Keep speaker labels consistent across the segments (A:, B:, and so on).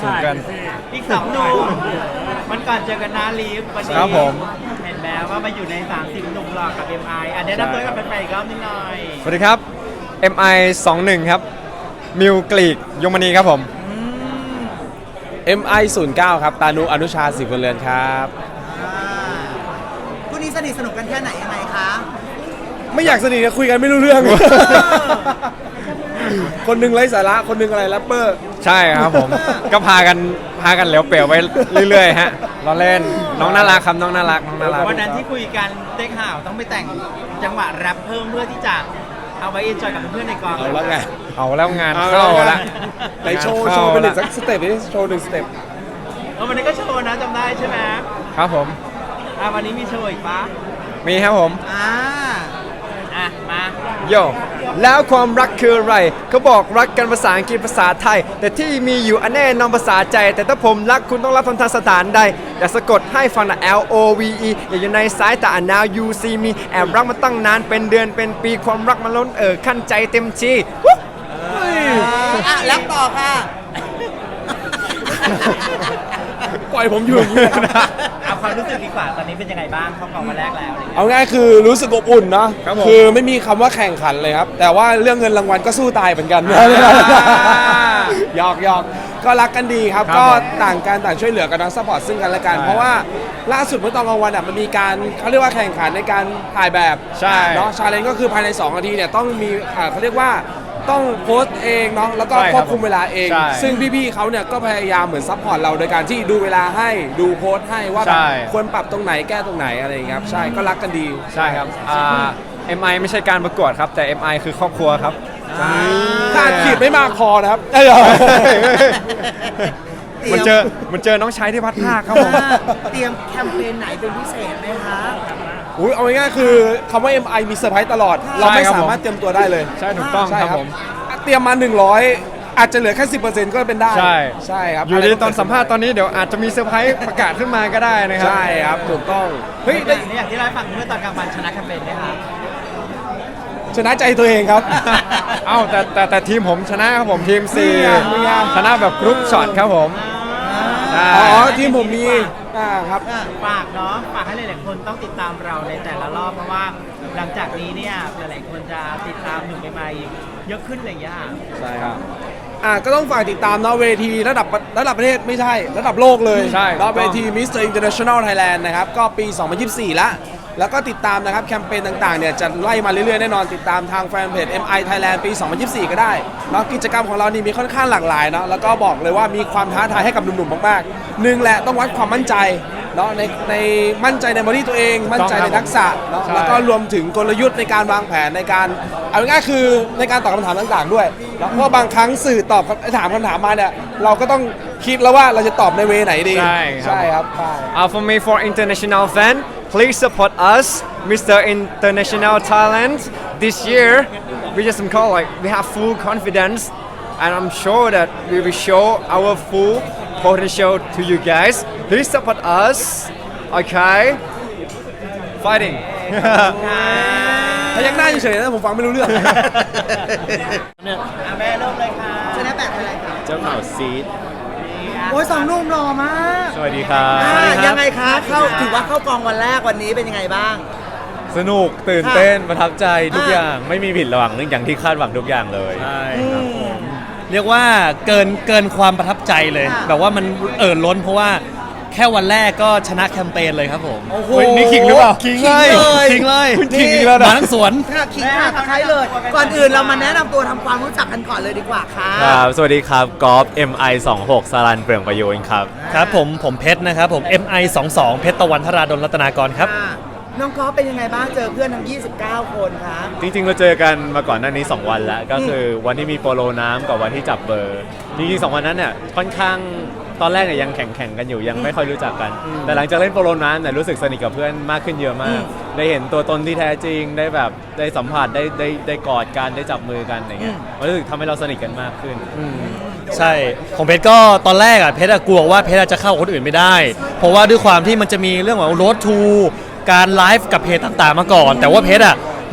A: สูงกัน
B: อีก2 หนุ่มมันก่อนเจอกันนาลีฟวันนี้
A: ครับผม
B: เห็นแล้วว่ามาอยู่ใน30 หนุ่มหล่อกับ MI อันนี้นำตัวกับแฟนๆอีกรอบนิดหน่อย
A: สวัสดีครับ MI 21ครับมิวกลีกยมณีครับผม
C: MI 09ครับตานุอนุชาศิวเรือนครับ
D: คู่นี้สนิทสนุกกันแค่ไหนยังไงคะ
C: ไม่อยากสนิทกันคุยกันไม่รู้เรื่อง คนหนึงไร้สาระคนหนึงอะไรแรปเปอร์
A: ใช่ครับผม ก็พากันเหลวเปลวไปเรื่อยๆฮะเราเล่นน้องน่ารักครับน้องน่ารักน้องน่ารัก
B: วันนั้นที่คุยกันได้ข่าวต้องไปแต่งจังหวะแรปเพิ่มเพื่อที่จะเอาไว้เอนจอยกับเพื่อนๆในกอง
C: เอาแล้วไง
A: เอาแล้วงานเข้าละ
C: ไหนโชว์เป็นหนึ่งสักสเต็ปนี้โชว์หนึ่งสเต็ป
B: วันนี้ก็โชว์นะจำได้ใช่ไหม
A: ครับผม
B: วันนี้มีโชว์อีกปะ
A: มีครับผม
B: มา
A: โยแล้วความรักคืออะไรเขาบอกรักกันภาษาอังกฤษภาษาไทย แต่ที่มีอยู่อันแน่นอนภาษาใจ แต่ถ้าผมรักคุณต้องรับทางสถานใดอย่าสะกดให้ฟังนะ LOVE อย่าอยู่ในสายตา now you see me แอบรักมาตั้งนานเป็นเดือนเป็นปีความรักมันล้นขั้นใจเต็มที่
D: แล้วต่อค่ะ
C: ปล่อยผมอยู่อย่างนี้
B: เอาความรู้สึกดีกว่าตอนนี้เป็นยังไงบ้างเข้ากองมาแรกแล้วอะไรอย่างเงี้ย
C: เอาง่ายคือรู้สึกอบอุ่นเนาะคือไม่มีคำว่าแข่งขันเลยครับ แต่ว่าเรื่องเงินรางวัลก็สู้ตายเหมือนกันหยอกก็รักกันดีครับ ก็ต่างกันต่างช่วยเหลือกันทั้งซัพพอร์ตซึ่งกันและกัน เพราะว่าล่าสุดเมื่อตอนกลางวันมันมีการเขาเรียกว่าแข่งขันในการถ่ายแบบ
A: ใช่
C: เนาะชาเลนจ์ก็คือภายใน2 นาทีเนี่ยต้องมีเขาเรียกว่าต้องโพสต์เองเนาะแล้วก็
A: ใช่
C: ควบคุมเวลาเอง
A: ใช่
C: ซึ่งพี่ๆเขาเนี่ยก็พยายามเหมือนซัพพอร์ตเราโดยการที่ดูเวลาให้ดูโพสต์ให้ว่าแบบ
A: ใช่
C: ควรปรับตรงไหนแก้ตรงไหนอะไรอย่างเงี้ยครับใช่ก็รักกันดี
A: ใช่ครับMI ไม่ใช่การประกวดครับแต่ MI คือครอบครัวครับ
C: ถ้าอัดขีดไม่มากพอนะครับ
A: มันเจอน้องชายที่พัดภาคครับผม
D: เตรียมแคมเปญไหนเป็นพิเศษไหมคะ
C: อุ้ยเอาง่ายๆคือคำว่า MI มีเซอร์ไพรส์ตลอด เราไม่
A: ใช่ครับ
C: สามารถเตรียมตัวได้เลย
A: ใช่ถูกต้อง
C: ใช่
A: ครับผม
C: เตรียมมา 100 อาจจะเหลือแค่ 10%ก็เป็นได้
A: ใช่
C: ใช่ครับ
A: อยู่ดีตอนสัมภาษณ์ตอนนี้เดี๋ยวอาจจะมีเซอร์ไพรส์ประกาศขึ้นมาก็ได้นะครับ
C: ใช่ครับถูกต้องเฮ้ย
B: อ
C: ได้
B: ย่างที่เราให้ฟังเมื่อตอนกลางวันชนะแคมเปญไหมคะ
C: ชนะใจตัวเองครับ
A: เอ้าแต่ทีมผมชนะครับผมทีม
C: นี่ไงนี่ไง
A: 4ชนะแบบกรุ๊ปช็อตครับผมใช่
C: อ๋อทีมผมมีครับ
B: ฝากเนาะฝากให้หลายๆคนต้องติดตามเราในแต่ละรอบเพราะว่าหลังจากนี้เนี่ยหลายๆคนจะติดตามหนุ่มใหม่ๆเยอะขึ้นอะไรอย่างเงี้ย
C: ใช่ครับก็ต้องฝากติดตามเนาะเวทีระดับประเทศไม่ใช่ระดับโลกเลย
A: ใช่
C: เนาะเวที Mr. International Thailand นะครับก็ปี 2024 แล้วก็ติดตามนะครับแคมเปญต่างๆเนี่ยจะไล่มาเรื่อยๆแน่นอนติดตามทางแฟนเพจ MI Thailand ปี 2024 ก็ได้เนาะกิจกรรมของเรานี่มีค่อนข้างหลากหลายเนาะแล้วก็บอกเลยว่ามีความท้าทายให้กับหนุ่มๆมากๆหนึ่งแหละต้องวัดความมั่นใจเนาะในมั่นใจในบอดี้ตัวเองมั่นใจในทักษะเนาะ
A: ใช่
C: แล้วก็รวมถึงกลยุทธ์ในการวางแผนในการเอาง่ายๆคือในการตอบคำถามต่างๆด้วยแล้วเพราะบางครั้งสื่อตอบถามคำถามมาเนี่ยเราก็ต้องคิดแล้วว่าเราจะตอบในเวไหนดี
A: ใช่ครับ
C: ใช่
A: For me for international fan please support us Mr. International Talent this year we just call like we have full confidence and I'm sure that we will show our full potential to you guys please support us okay fighting
C: พยักหน้าเฉยๆนะผมฟังไม่รู้เรื่อง
B: แม่เริ่มเลยค่ะ
D: ชนะแบบอะไรคะ
E: เจ้าข่าวซีด
D: โอ้ย2 หนุ่มหล่อมาก
E: สวัสดีครับ
D: ยังไงคะถือว่าเข้ากองวันแรกวันนี้เป็นยังไงบ้าง
E: สนุกตื่นเต้นประทับใจทุกอย่างไม่มีผิดหวังอย่างที่คาดหวังทุกอย่างเลย
F: ใช่ครับผมเรียกว่าเกินความประทับใจเลย
D: ค่ะ
F: แบบว่ามันล้นเพราะว่าแค่วันแรกก็ชนะแคมเปญเลยครับผม
D: โอ้โห
A: เฮ้ยนี่ขิงหรือเปล่า
F: ขิงเลย
D: ขิงเลย
F: ขิงเลย
A: ขิงอีกแล้วนะ
F: มาทั้งสวน
D: ค่ะขิงค่ะตะไคร้เลย ก่อนอื่นเรามาแนะนำตัวทำความรู้จักกันก่อนเลยดีกว่าค่ะ
E: ครับ สวัสดีครับกอล์ฟ MI 26สารันเปลืองประโยชน์ครับ
F: ครับผมเพชรนะครับผม MI 22เพชรตะวันธราดลรัตนากรครับ
D: ค่ะน้องกอล์ฟเป็นยังไงบ้างเจอเพื่อนทั้ง 29 คนคะ
E: จริงๆ เราเจอกันมาก่อนหน้านี้ 2 วันแล้ว ก็คือวันที่มีโปโลน้ำกับวันที่จับเบอร์ จริงๆ 2 วันนั้นเนี่ยค่อนข้างตอนแรกเนี่ยยังแข่งกันอยู่ยังไม่ค่อยรู้จักกัน แต่หลังจากเล่นโปโลน้ำเนี่ยรู้สึกสนิทกับเพื่อนมากขึ้นเยอะมาก ได้เห็นตัวตนที่แท้จริงได้แบบได้สัมผัสได้กอดกันได้จับมือกันอย่างเงี้ยมันรู้สึกทำให้เราสนิทกันมากขึ้น
F: ใช่ของเพชรก็ตอนแรกอ่ะเพชรอะกลัวว่าเพชรอะจะเข้ากับคนอื่นไม่ได้ เพราะว่าด้วยความที่มันจะมีเรื่องของ road to การไลฟ์กับเพจต่างๆมาก่อน แต่ว่าเพชรอ่ะ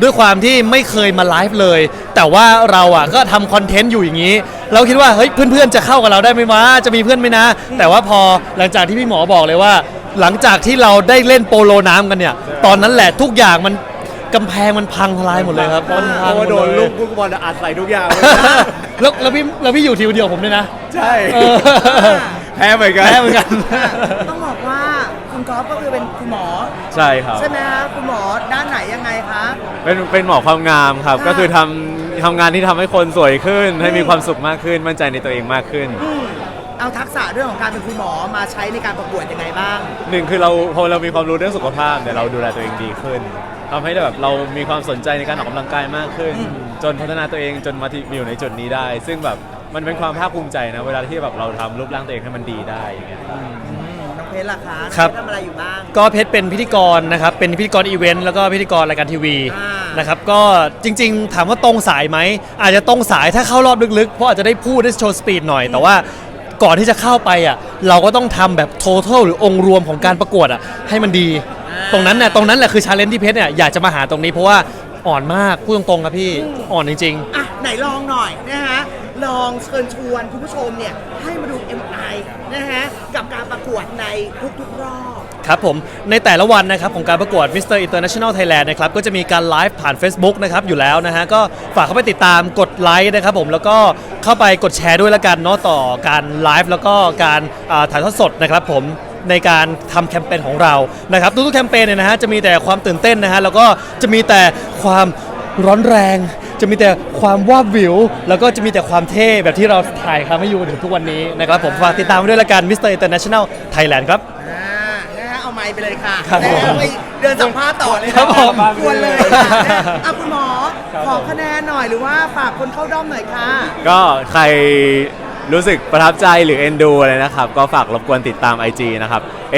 F: ด้วยความที่ไม่เคยมาไลฟ์เลย แต่ว่าเราอ่ะก็ทำคอนเทนต์อยู่อย่างนี้ เราคิดว่าเฮ้ยเพื่อนๆจะเข้ากับเราได้ไหมวะจะมีเพื่อนไหมนะ แต่ว่าพอหลังจากที่พี่หมอบอกเลยว่า หลังจากที่เราได้เล่นโปโลน้ำกันเนี่ยตอนนั้นแหละทุกอย่างมันกำแพงมันพังทลายหมดเลยครับมันพังหมด
E: โดน
F: เล
E: ลู
F: ย
E: กฟุตบอลอัดใส่ทุกอย่าง
F: แล้วพี่อยู่ทีมเดียวผมด้วยนะ
E: ใช่
F: เออ
E: แพ้เหมือนกัน
F: แพ้เหมือนกัน
D: ต้องบอกว่าคุณก๊อฟก็คือเป็นคุณหมอ
E: ใช่ครับ
D: ใช่ไหมคะคุณหมอด้านไหนยังไงคะ
E: เป็นหมอความงามครับ
D: ค่ะ
E: ก็คือทำงานที่ทำให้คนสวยขึ้น ให้มีความสุขมากขึ้น มั่นใจในตัวเองมากขึ้น
D: เอาทักษะเรื่องของการเป็นคุณหมอมาใช้ในการประกวดยังไงบ้าง
E: หนึ่งคือพอเรามีความรู้เรื่องสุขภาพเนี่ยเราดูแลตัวเองดีขึ้นทำให้แบบเรามีความสนใจในการออกกำลังกายมากขึ้น จนพัฒนาตัวเองจนมาอยู่ในจุดนี้ได้ ซึ่งแบบมันเป็นความภาคภูมิใจนะเวลาที่แบบเราทำรูปร่างตัวเองให้มันดีได้อย่างเงี้ย
D: น้องเพชรล่ะคะ
F: ครับ
D: น้องเพชรทำอะไรอยู่บ้าง
F: ก็เพชรเป็นพิธีกรนะครับเป็นพิธีกรอีเวนต์แล้วก็พิธีกรรายการทีวี
D: อ่าน
F: นะครับก็จริงๆ ถามว่าตรงสายไหมอาจจะตรงสายถ้าเข้ารอบลึกๆเพราะอาจจะได้พูดได้โชว์สปีดหน่อย แต่ว่าก่อนที่จะเข้าไปอ่ะเราก็ต้องทำแบบ total หรือองค์รวมของการประกวดอ่ะให้มันดี ตรงนั้นแหละคือชาเลนจ์ที่เพชรเนี่ยอยากจะมาหาตรงนี้เพราะว่าอ่อนมากพูดตรงๆครับพี่อ่อนจริงๆ
D: อ่ะไหนลองหน่อยนะฮะลองเชิญชวนคุณผู้ชมเนี่ยให้มาดู MI นะฮะกับการประกวดในทุกๆรอบ
F: ครับผมในแต่ละวันนะครับของการประกวด Mr. International Thailand นะครับก็จะมีการไลฟ์ผ่าน Facebook นะครับอยู่แล้วนะฮะก็ฝากเข้าไปติดตามกดไลค์นะครับผมแล้วก็เข้าไปกดแชร์ด้วยละกันเนาะต่อการไลฟ์แล้วก็การถ่ายทอดสดนะครับผมในการทำแคมเปญของเรานะครับทุกๆแคมเปญเนี่ยนะฮะจะมีแต่ความตื่นเต้นนะฮะแล้วก็จะมีแต่ความร้อนแรง จะมีแต่ความวาบวิวแล้วก็จะมีแต่ความเท่แบบที่เราถ่ายทำให้อยู่ถึงทุกวันนี้นะครับผมฝากติดตามไว้ด้วยละกัน Mr. International Thailand ครับ
D: นะฮะเอาไมค์ไปเลยค่ะ
F: ครับ
D: นะ
F: ผม
D: ฮะไปเดินสัมภาษณ์ต่อเลยนะครับ
F: ผม
D: ควรเลยค่ะนะอ่ะคุณหมอขอคะแนนหน่อยหรือว่าฝากคนเข้าด้อมหน่อยค่ะ
E: ก็ใครรู้สึกประทับใจหรือเอ็นดูอะไรนะครับ ก็ฝากรบกวนติดตาม IG นะครับ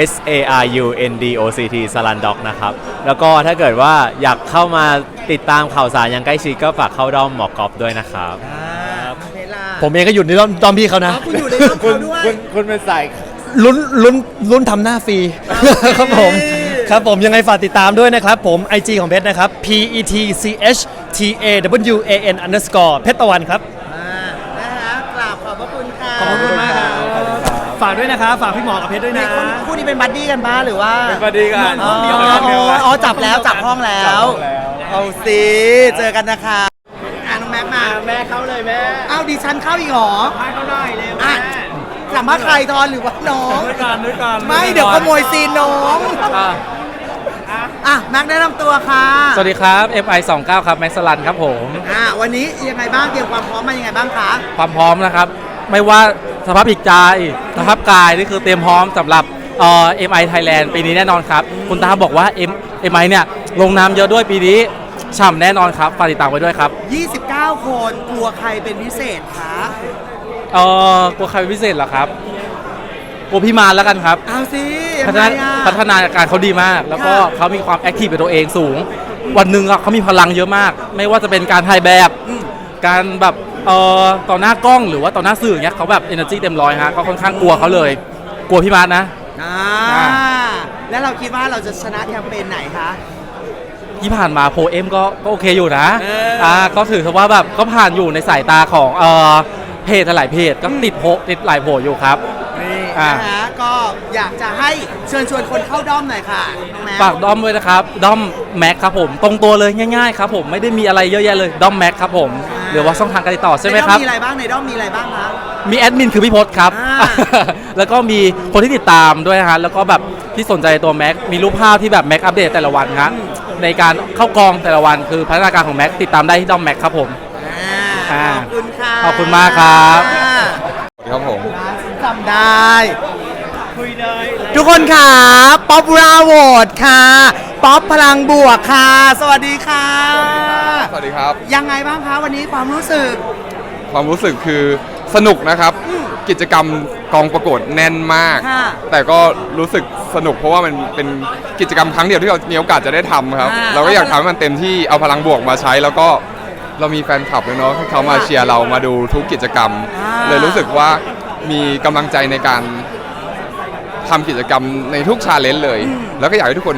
E: SARUNDOCT Salandoc นะครับ แล้วก็ถ้าเกิดว่าอยากเข้ามาติดตามข่าวสารอย่างใกล้ชิดก็ฝากเข้าด้อมหมอกอฟด้วยนะครับ
D: คุณเพชรล่ะ
F: ผมเองก็อยู่ในด้อมพี่เขานะ
D: อ๋อคุณอยู่ในด้อมเขาด้วย
E: คุณเป็นสาย
F: ลุ้นทำหน้าฟรี ครับผมครับผมยังไงฝากติดตามด้วยนะครับผม IG ของเพชรนะครับ PETCHTAWAN _ เพชรตะวันครับ
D: นะฮะกราบขอบพระคุณค่ะ
F: ขอบคุณมากครับฝากด้วยนะครับ ฝากพี่หมอกับเพชรด้วย
D: ใน
F: นะ
D: คู่นี้เป็นบัดดี้กันบ้าหรือว่า
E: เป็นบัดดี้กัน
D: อ๋อ
E: เดียวกัน
D: อ๋อจับแล้วจับห้องแล้ว
E: จับห้องแล้ว
D: เอาสิเจอกันนะคะน้องแม็กมา
B: แม่เข้าเลยแม่
D: เอาดิฉันเข้าอีกเหรอ
B: ให้เขาหน่อยเร็ว
D: อ่ะ
B: แม่
D: สัมภาษณ์ใครทอนหรือว่าน้อง
F: ด้วยกัน
D: ไม่เดี๋ยวขโมยซีนน้องอ่ะแม็กแนะนำตัวค่ะ
G: สวัสดีครับ MI 29ครับแม็กซ์ลันครับผม
D: วันนี้ยังไงบ้างเตรียมความพร้อมมายังไงบ้างคะ
G: ความพร้อมนะครับ ไม่ว่าสภาพจิตใจสภาพกายนี่คือเตรียมพร้อมสำหรับ MI Thailand ปีนี้แน่นอนครับ คุณตาบอกว่า MI เนี่ยลงน้ำเยอะด้วยปีนี้ฉ่ำแน่นอนครับฝากติดตามไว้ด้วยครับ
D: 29 คนกลัวใครเป็นพิเศษคะ
G: กลัวใครเป็นพิเศษเหรอครับกลัวพี่มารแล้วกันครับ
D: เอาสิยั
G: พั
D: ง
G: ฒ
D: ไง
G: นา
D: อ่ะ
G: พัฒนาการเขาดีมาก แล้วก็
D: ค่ะ
G: เขามีความแอคทีฟในตัวเองสูง วันหนึ่งอะเขามีพลังเยอะมาก ไม่ว่าจะเป็นการถ่ายแบบ การแบบต่อหน้ากล้องหรือว่าต่อหน้าสื่ออย่างเงี้ยเขาแบบ energy เต็มร้อยฮะก็ค่อนข้างกลัวเขาเลย กลัวพี่มาร์ทนะ
D: แล้วเราคิดว่าเราจะชนะแคมเปญไหนคะ
G: ที่ผ่านมาโพเอ็มก็โอเคอยู่นะ
D: เอออ่
G: ก็ถือว่าแบบก็ผ่านอยู่ในสายตาของเพจหลายเพจก็ติดหลายโผอยู่ครับ
D: นี่
G: อ่า
D: นะฮะก็อยากจะให้เชิญชวนคนเข้าด้อมหน่อยค่ะน้องแม็ก
G: ฝากด้อมด้วยนะครับด้อมแม็กครับผมตรงตัวเลยง่ายๆครับผมไม่ได้มีอะไรเยอะแยะเลยด้อมแม็กครับผมหรือว่าช่องทางการติดต่อใช่ไหมครับ
D: ในด้อมมีอะไรบ้างในด้อมมีอะไรบ้างคะ
G: มีแอดมินคือพี่พศครับ
D: อ่า
G: แล้วก็มีคนที่ติดตามด้วยนะฮะแล้วก็แบบที่สนใจตัวแม็กมีรูปภาพที่แบบแม็กอัปเดตแต่ละวันครับในการเข้ากองแต่ละวันคือพัฒนาการของแม็กติดตามได้ที่ด้อมแม็กครับผม
D: ขอบคุณค่ะ
G: ขอบคุณมากครับ
H: ครับผม
D: จำได้
B: คุยเลย
D: ทุกคนค่ะป๊อปราโหวตค่ะป๊อปพลังบวกค่ะ สวัสดีค่ะ
H: สวัสดีครับ
D: ยังไงบ้างคะวันนี้ความรู้สึก
H: ความรู้สึกคือสนุกนะครับ กิจกรรมกองประกวดแน่นมาก
D: ค่ะ
H: แต่ก็รู้สึกสนุกเพราะว่ามันเป็นกิจกรรมครั้งเดียวที่เรามีโอกาสจะได้ทำครับ เราก็อยากทำให้มันเต็มที่เอาพลังบวกมาใช้ แล้วก็เรามีแฟนคลับด้วยเนาะที่เขามาเชียร์เรามาดูทุกกิจกรรม เลยรู้สึกว่ามีกำลังใจในการทำกิจกรรมในทุกชาเลนจ์เลย แล้วก็อยากให้ทุกคน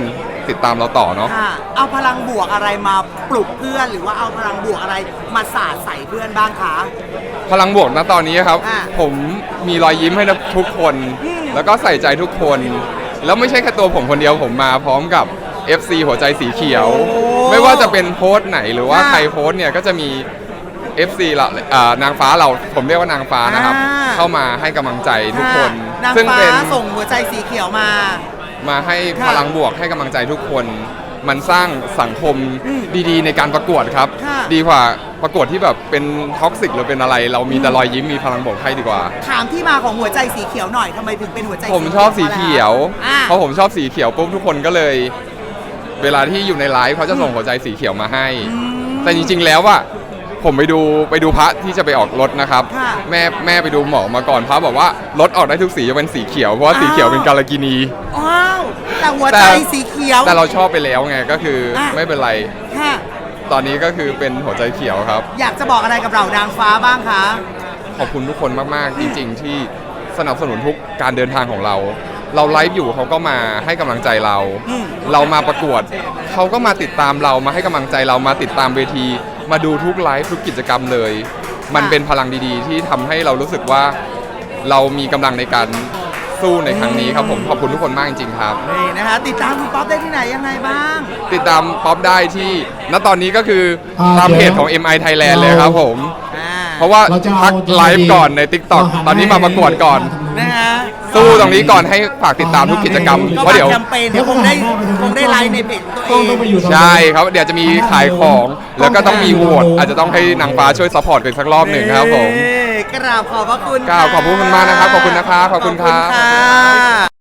H: ติดตามเราต่อเนาะ
D: ค่ะเอาพลังบวกอะไรมาปลุกเพื่อนหรือว่าเอาพลังบวกอะไรมาสาดใส่เพื่อนบ้างคะ
H: พลังบวกณตอนนี้ครับ
D: อ่ะ
H: ผมมีรอยยิ้มให้ทุกคน แล้วก็ใส่ใจทุกคน แล้วไม่ใช่แค่ตัวผมคนเดียวผมมาพร้อมกับ FC หัวใจสีเขียว ไม่ว่าจะเป็นโพสต์ไหนหรือว่าใครโพสต์เนี่ยก็จะมี FC เรานางฟ้าเราผมเรียกว่านางฟ้านะครับ เข้ามาให้กำลังใจทุกคน
D: นาง
H: ซึ่ง
D: ฟ้า
H: เป็น
D: ส่งหัวใจสีเขียวมา
H: มาให้
D: ค่ะ
H: พลังบวกให้กำลังใจทุกคน มันสร้างสังคมดีๆ ในการประกวดครับ
D: ค่ะ
H: ดีกว่าประกวดที่แบบเป็นท็อกซิกหรือเป็นอะไร เรามีแต่รอยยิ้มมีพลังบวกให้ดีกว่า
D: ถามที่มาของหัวใจสีเขียวหน่อยทำไมถึงเป็นหัวใจ
H: ผมชอบสีเขียว
D: อ่ะ
H: เพราะผมชอบสีเขียวปุ๊บทุกคนก็เลย เวลาที่อยู่ในไลฟ์เขาจะส่งหัวใจสีเขียวมาให้ แต่จริงๆแล้วอะผมไปดูพระที่จะไปออกรถนะครับ
D: ค่ะ
H: แม่ไปดูหมอมาก่อนพระบอกว่ารถออกได้ทุกสีจะเป็นสีเขียวเพราะว่าสีเขียวเป็นกาลกินี
D: ว้าวแต่หัวใจสีเขียว
H: แต่เราชอบไปแล้วไงก็คืออะ ไม่เป็นไร
D: ค่ะ
H: ตอนนี้ก็คือเป็นหัวใจเขียวครับ
D: อยากจะบอกอะไรกับเรานางฟ้าบ้างคะ
H: ขอบคุณทุกคนมากๆ จริง ๆ ที่สนับสนุนทุกการเดินทางของเรา เราไลฟ์อยู่เขาก็มาให้กำลังใจเรา เรามาประกวดเขาก็มาติดตามเรามาให้กำลังใจเรามาติดตามเวที มาดูทุกไลฟ์ทุกกิจกรรมเลย มันเป็นพลังดีๆ ที่ทำให้เรารู้สึกว่าเรามีกำลังในการสู้ในครั้งนี้ครับผมขอบคุณทุกคนมากจริงๆครับ
D: นี่นะคะติดตามคุณป๊อปได้ที่ไหนยังไงบ้าง
H: ติดตามป๊อปได้ที่ณตอนนี้ก็คือตามเพจของ MI Thailand เลยครับผม เพราะว่าพักไลฟ์ก่อนใน TikTok ตอนนี้มาประกวดก่อน
D: นะฮะ
H: สู้ตรงนี้ก่อนให้ฝากติดตามทุกกิจกรรม
D: ก็
H: เพราะ
D: มา
H: เดี๋ยว
D: แคมเปญเดี๋ยวคงได้ไลฟ์ในเพจตัวเอง
H: ใช่ครับ เดี๋ยวจะมีขายของ แล้วก็ต้องมีโหวตอาจจะต้องให้นางฟ้าช่วยซัพพอร์ตกันสักรอบหนึ่งครับผม
D: กราบขอบพระคุณ
H: กราบขอบคุณมากนะครับขอบคุณนะครับขอบคุณครับ
D: ขอบคุณค่ะ